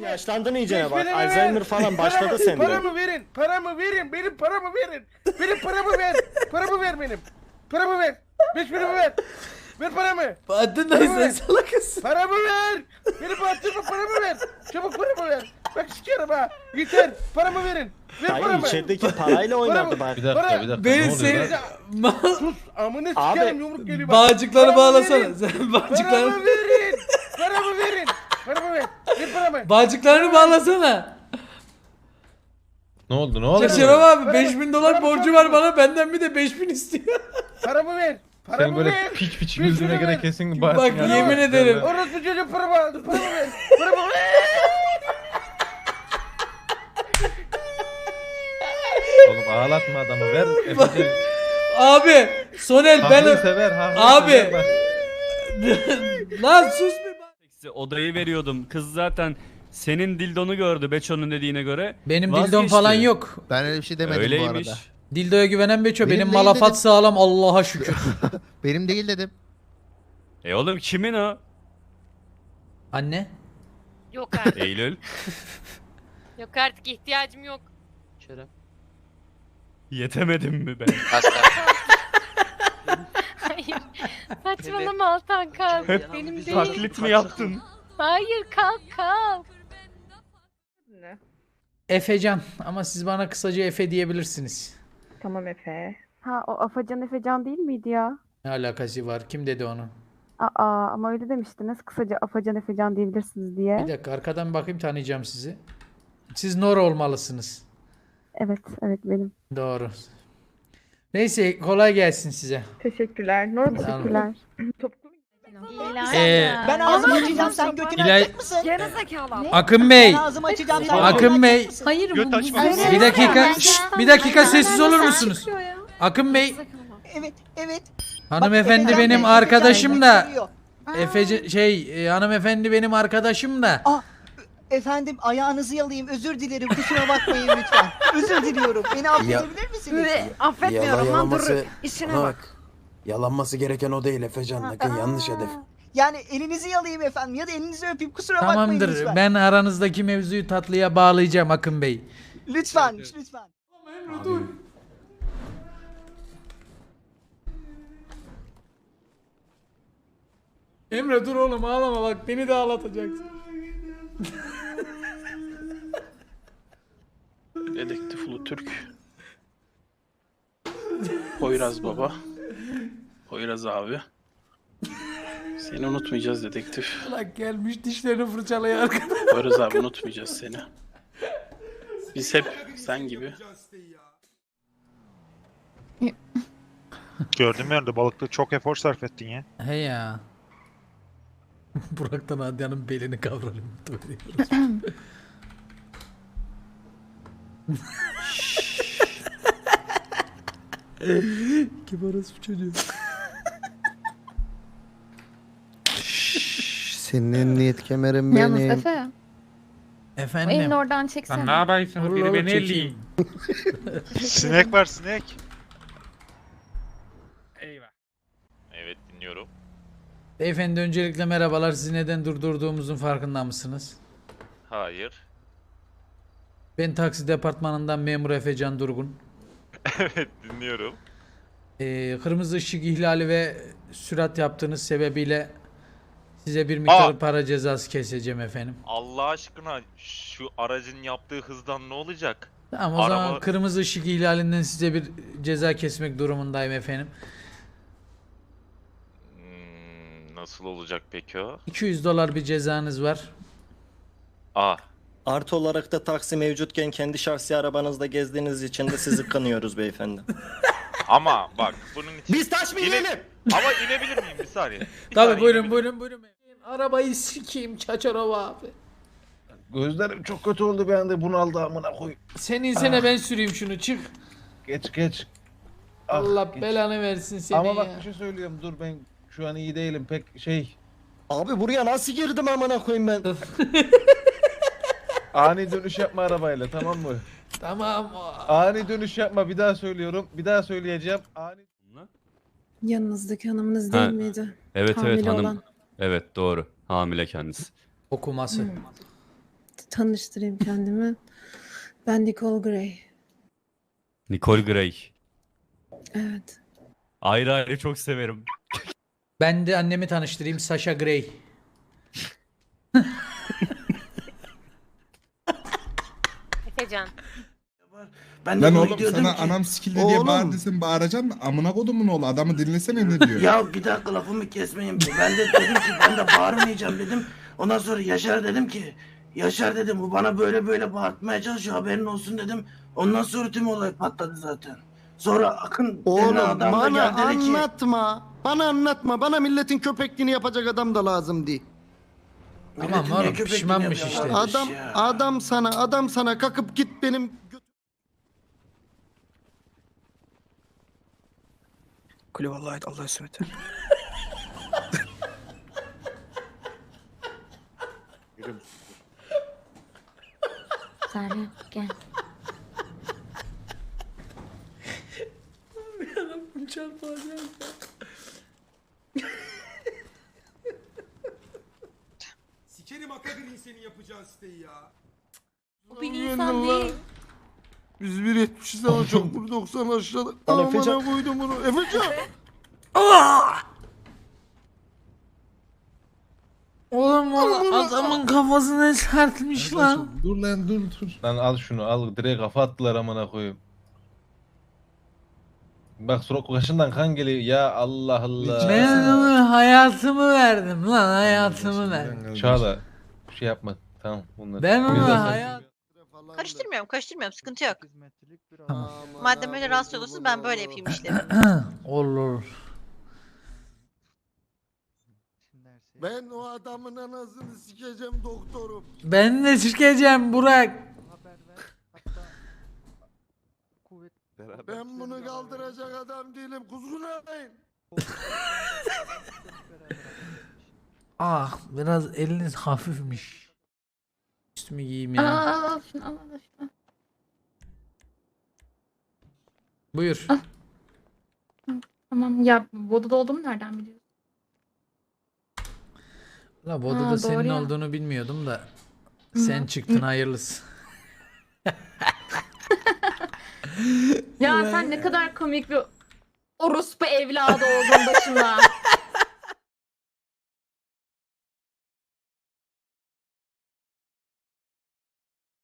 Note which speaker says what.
Speaker 1: yaşlandın iyicene bak.
Speaker 2: Paramı
Speaker 1: Alzheimer
Speaker 2: ver.
Speaker 1: falan başladı sende.
Speaker 2: Paramı verin. Paramı verin. Benim paramı verin. Benim paramı ver. Paramı ver benim. Paramı ver. 5 paramı ver. Ver paramı.
Speaker 3: Bahattin
Speaker 2: Paramı
Speaker 3: dayı sen
Speaker 2: ver.
Speaker 3: salakısın.
Speaker 2: Paramı ver. Benim bahtımı paramı ver. Çabuk paramı ver. Bak sikerim ha. Yeter. Paramı verin. Ver
Speaker 1: Hayır
Speaker 2: paramı.
Speaker 1: içerideki parayla oynadı bak.
Speaker 4: Bir dakika bir dakika.
Speaker 3: Ben
Speaker 4: Ne oluyor
Speaker 3: seni...
Speaker 4: lan?
Speaker 2: Sus. Amına
Speaker 1: Abi,
Speaker 2: sikerim yumruk geliyor bak.
Speaker 3: Bağcıkları
Speaker 2: Paramı
Speaker 3: bağlasana.
Speaker 2: verin.
Speaker 3: Sen bağcıkları...
Speaker 2: Paramı verin. Paramı verin. Paramı ver. Ver paramı.
Speaker 3: Bağcıklarını bağlasana.
Speaker 4: Ne oldu ne oldu?
Speaker 3: Şeref abi
Speaker 2: Paramı-
Speaker 3: 5000 dolar
Speaker 2: paramı
Speaker 3: borcu
Speaker 2: çok
Speaker 3: var
Speaker 2: iyi.
Speaker 3: bana, benden bir de 5000 istiyor.
Speaker 2: Paramı ver.
Speaker 4: Sen
Speaker 2: Paramı
Speaker 4: böyle
Speaker 2: ver.
Speaker 4: piç piç
Speaker 2: 5
Speaker 4: güldüğüne
Speaker 2: paramı
Speaker 4: göre
Speaker 2: ver.
Speaker 4: kesin
Speaker 3: Bak,
Speaker 4: Bahattin ya.
Speaker 3: yemin ederim.
Speaker 2: Orospu çocuğu paramı ver. Paramı ver. Paramı ver.
Speaker 4: Oğlum ağlatma adamı ver. Efe'cim.
Speaker 3: Abi Soner
Speaker 4: Haklıysa
Speaker 3: ben...
Speaker 4: ver.
Speaker 3: Abi.
Speaker 4: Ver, bak.
Speaker 3: Lan sus bir bak.
Speaker 5: Size odayı veriyordum. Kız zaten senin dildonu gördü Beço'nun dediğine göre.
Speaker 3: Benim
Speaker 5: Vazgeçti.
Speaker 3: dildom falan yok.
Speaker 6: Ben öyle bir şey demedim bu
Speaker 5: Öyleymiş.
Speaker 6: arada.
Speaker 3: Dildoya güvenen Beço.
Speaker 6: Benim
Speaker 3: Benim
Speaker 6: değil
Speaker 3: malafat
Speaker 6: dedim.
Speaker 3: sağlam Allah'a şükür.
Speaker 6: Benim değil dedim.
Speaker 5: Oğlum kimin o?
Speaker 3: Anne.
Speaker 7: Yok artık.
Speaker 5: Eylül.
Speaker 7: Yok artık ihtiyacım yok.
Speaker 5: Yetemedim mi ben?
Speaker 7: Hayır. Saçmalama Altan kalk. Benim değil.
Speaker 5: Taklit mi yaptın?
Speaker 7: Hayır kalk kalk.
Speaker 3: Efecan ama siz bana kısaca Efe diyebilirsiniz.
Speaker 8: Tamam Efe. Ha o Afacan Efecan değil miydi ya?
Speaker 3: Ne alakası var? Kim dedi onu?
Speaker 8: Aa ama öyle demiştiniz. Kısaca Afacan Efecan diyebilirsiniz diye.
Speaker 3: Bir dakika arkadan bakayım, tanıyacağım sizi. Siz Nora olmalısınız.
Speaker 8: Evet benim.
Speaker 3: Doğru. Neyse kolay gelsin size.
Speaker 8: Teşekkürler. Nora teşekkürler.
Speaker 9: Ben ağzımı açacağım sen götünü
Speaker 3: İlay-
Speaker 9: açacak mısın?
Speaker 8: Gene zekalı.
Speaker 3: Akın Bey.
Speaker 9: Ben ağzımı açacağım sen
Speaker 3: Akın
Speaker 9: götünü
Speaker 3: Bey.
Speaker 9: açacak mısın?
Speaker 7: Hayır bu.
Speaker 3: Bir dakika. Bir dakika sessiz olur musunuz? Akın Bey.
Speaker 9: Evet.
Speaker 3: Hanımefendi
Speaker 9: Efecan
Speaker 3: benim
Speaker 9: Bey,
Speaker 3: arkadaşım
Speaker 9: Efecan
Speaker 3: da.
Speaker 9: Bey soruyor.
Speaker 3: Hanımefendi benim arkadaşım da.
Speaker 9: Efendim ayağınızı yalayayım özür dilerim kusura bakmayın lütfen. Özür diliyorum. Beni affedebilir misiniz?
Speaker 8: Affetmiyorum lan dur. İşine bak.
Speaker 10: Yalanması gereken o değil Efecan. Bakın yanlış hedef.
Speaker 9: Yani elinizi yalayayım efendim ya da elinizi öpeyim kusura bakmayın
Speaker 3: Tamamdır.
Speaker 9: lütfen.
Speaker 3: Ben aranızdaki mevzuyu tatlıya bağlayacağım Akın Bey.
Speaker 9: Lütfen.
Speaker 3: Emre dur oğlum ağlama, bak beni de ağlatacaksın.
Speaker 11: Dedektif Ulu Türk. Poyraz baba. Poyraz abi. Seni unutmayacağız dedektif.
Speaker 3: Bak gelmiş dişlerini fırçalıyor arkada.
Speaker 11: Poyraz abi unutmayacağız seni. Biz hep sen gibi.
Speaker 12: Gördüğüm yerde balıkta çok efor sarf ettin ya.
Speaker 3: He ya. Burak'tan Adya'nın belini kavralım. Kim orası bu çocuğu?
Speaker 6: Senin emniyet kemerin
Speaker 8: Yalnız
Speaker 6: benim.
Speaker 8: Efe.
Speaker 3: Efendim.
Speaker 8: Elini oradan çeksene.
Speaker 3: yapıyorsun? Biri beni elleyeyim.
Speaker 12: Sinek var sinek.
Speaker 5: Eyvah.
Speaker 12: Evet dinliyorum.
Speaker 3: Beyefendi öncelikle merhabalar. Sizi neden durdurduğumuzun farkında mısınız?
Speaker 12: Hayır.
Speaker 3: Ben taksi departmanından memur Efecan Durgun.
Speaker 12: Evet dinliyorum.
Speaker 3: Kırmızı ışık ihlali ve sürat yaptığınız sebebiyle size bir miktar para cezası keseceğim efendim.
Speaker 12: Allah aşkına şu aracın yaptığı hızdan ne olacak?
Speaker 3: Tamam o zaman kırmızı ışık ihlalinden size bir ceza kesmek durumundayım efendim.
Speaker 12: Nasıl olacak peki o?
Speaker 3: 200 dolar bir cezanız var.
Speaker 1: Artı olarak da taksi mevcutken kendi şahsi arabanızda gezdiğiniz için de sizi kınıyoruz beyefendi.
Speaker 12: Ama bak bunun için...
Speaker 1: Biz taş mı yiyelim?
Speaker 12: Ama inebilir miyim bir saniye?
Speaker 3: Tabii buyurun. Arabayı sikeyim Çaçarova abi.
Speaker 4: Gözlerim çok kötü oldu bir anda bunaldı amına koy.
Speaker 3: Sen insene ben süreyim şunu, çık.
Speaker 4: Geç.
Speaker 3: Allah
Speaker 4: geç.
Speaker 3: belanı versin seni
Speaker 4: Ama bak
Speaker 3: ya.
Speaker 4: bir şey söylüyorum dur ben şu an iyi değilim pek şey.
Speaker 1: Abi buraya nasıl girdim amına koyayım ben?
Speaker 4: Ani dönüş yapma arabayla tamam mı?
Speaker 3: Tamam.
Speaker 4: Ani dönüş yapma bir daha söylüyorum. Bir daha söyleyeceğim.
Speaker 8: Yanınızdaki hanımınız
Speaker 5: Ha,
Speaker 8: değil miydi?
Speaker 5: Evet
Speaker 8: Hamile
Speaker 5: hanım.
Speaker 8: olan.
Speaker 5: Evet doğru. Hamile kendisi.
Speaker 3: Okuması.
Speaker 7: tanıştırayım kendimi. Ben Nicole Grey.
Speaker 5: Nicole Grey.
Speaker 7: Evet.
Speaker 5: Ayrı ayrı çok severim.
Speaker 3: Ben de annemi tanıştırayım, Sasha Grey.
Speaker 7: Efecan.
Speaker 2: Ben de
Speaker 10: Lan
Speaker 2: bunu
Speaker 10: oğlum
Speaker 2: diyordum
Speaker 10: sana
Speaker 2: ki,
Speaker 10: anam sikildi diye
Speaker 2: oğlum.
Speaker 10: bağır desem bağıracaksın da amına kodumun oğlu adamı dinlesene ne diyor.
Speaker 2: Ya bir dakika lafımı kesmeyin. Ben de dedim ki ben de bağırmayacağım dedim. Ondan sonra Yaşar dedim ki Yaşar dedim bu bana böyle böyle bağırtmaya çalışıyor haberin olsun dedim. Ondan sonra tüm olay patladı zaten. Sonra Akın denilen adam da geldi dedi ki
Speaker 6: Bana anlatma. Bana milletin köpekliğini yapacak adam da lazım değil.
Speaker 3: Tamam
Speaker 2: "Milletin niye
Speaker 3: oğlum,
Speaker 2: köpekliğini
Speaker 3: pişmanmış
Speaker 2: yapıyorlar?"
Speaker 3: işte.
Speaker 2: Ya.
Speaker 6: Adam sana kalkıp git benim
Speaker 2: Kulü vallahi Allah'a ısmet.
Speaker 7: Salih gel.
Speaker 10: Sikerim Akagri'nin senin yapacağın siteyi ya.
Speaker 7: Bu bir insan değil.
Speaker 6: Biz 1.70'iz ama çok 1.90 aşağıda.
Speaker 1: Lan Efecan.
Speaker 6: Amına koydum bunu. Efecan.
Speaker 3: Oğlum o adamın kafasına sertmiş lan.
Speaker 10: Dur lan dur.
Speaker 4: Lan al şunu al direkt kafa attılar amına koyayım. Bak surat kaşından kan geliyor ya Allah Allah.
Speaker 3: Ben ona hayatımı verdim lan, hayatımı verdim.
Speaker 4: Çağla şey yapma tamam bunları.
Speaker 3: Ben
Speaker 4: Biz de
Speaker 3: ona
Speaker 4: sen-
Speaker 3: hayat...
Speaker 9: Karıştırmıyorum sıkıntı yok. Madem öyle rahatsız oluyorsunuz ben böyle yapayım işlerimi.
Speaker 3: Olur.
Speaker 6: Ben o adamın anasını sikeceğim doktorum.
Speaker 3: Ben de çıkacağım Burak.
Speaker 6: Ben bunu kaldıracak adam değilim. Kuzgun arayın.
Speaker 3: Ah, biraz eliniz hafifmiş. Üstümü giyeyim ya. Buyur.
Speaker 7: Tamam ya Voda'da olduğumu nereden biliyorsun?
Speaker 3: La Bodu'da
Speaker 7: doğru
Speaker 3: senin
Speaker 7: ya.
Speaker 3: olduğunu bilmiyordum da. Sen çıktın hayırlısı.
Speaker 7: Ya sen ne kadar komik bir orospu evladı oldun başıma.